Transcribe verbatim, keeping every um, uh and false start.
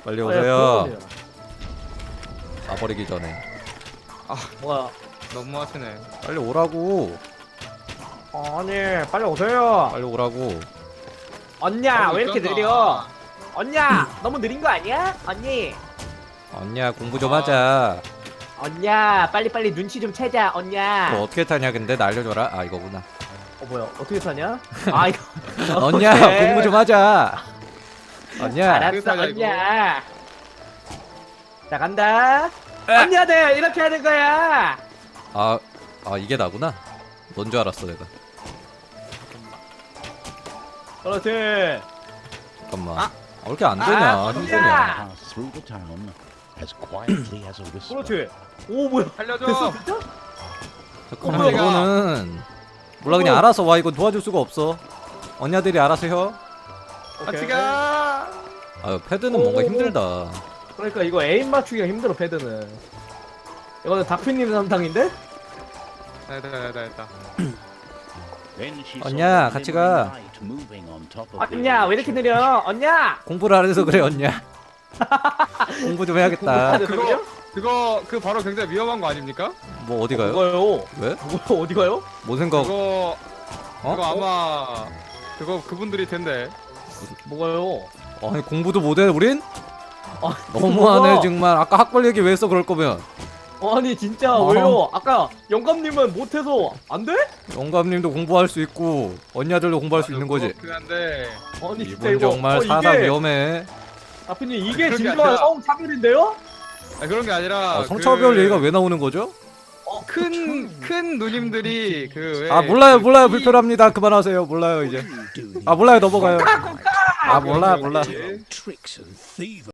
빨리 아, 오세요. 가버리기 전에. 아 뭐야? 너무 하시네. 빨리 오라고. 아니 빨리 오세요. 빨리 오라고. 언냐 어, 왜 이렇게 있잖아. 느려? 언냐 너무 느린 거 아니야? 언니. 언니야 공부 좀 하자. 언냐 빨리 빨리 눈치 좀 채자. 언냐. 뭐 어떻게 타냐 근데 나 알려줘라. 아 이거구나. 어 뭐야 어떻게 사냐? 아 이거. 언니야 오케이. 공부 좀 하자. 언니야. 알았어 어떻게 사냐, 이거? 언냐. 자 간다. 에. 언니야들 이렇게 하는 거야. 아, 아 이게 나구나. 넌 줄 알았어 내가. 그렇지. 잠깐만. 아. 아, 왜 이렇게 안 되냐? 아, 힘드냐? Pass through the town as quietly as a whisper. 그렇지. 오 뭐야? 살려줘. 됐어 진짜? 잠깐만 어, 이거는 몰라 그냥 어. 알아서 와. 이거 도와줄 수가 없어. 언니들이 알아서 해. 같이 가. 아유 패드는 오. 뭔가 힘들다. 그러니까 이거 에임 맞추기가 힘들어 패드는. 이거는 다큐님 담당인데? 됐다 됐다 됐다. Then she saw 언니야, a 같이 glimmering 가. light moving on top of the 언냐 왜 이렇게 느려? 언냐. 공부를 안 해서 그래 언니야. 공부 좀 해야겠다. 공부해야 돼. 그거 그거 그 바로 굉장히 위험한 거 아닙니까? 뭐 어디 가요? 뭐가요? 왜? 뭐 어디 가요? 뭔 생각? 그거 어? 그거 아마 그거 그분들이 텐데. 뭐가요? 아니 공부도 못해 우린? 아, 너무하네 뭐가? 정말. 아까 학벌 얘기 왜 했어 그럴 거면. 아니 진짜 어. 왜요? 아까 영감님은 못해서 안 돼? 영감님도 공부할 수 있고 언니들도 공부할 수 있는 거지. 그렇긴 한데. 아니 진짜 이분 이거 정말 어, 사상 이게 위험해. 다프님 이게 그런 게 진정한 아니라- 성차별인데요? 아, 그런 게 아니라 아, 성차별 그 얘기가 왜 나오는 거죠? 큰, 큰 누님들이 그 왜 아 몰라요 그 몰라요 이- 불편합니다. 그만하세요. 몰라요 이제. 아 몰라요 넘어가요. 아 몰라 몰라. tricks and thievery.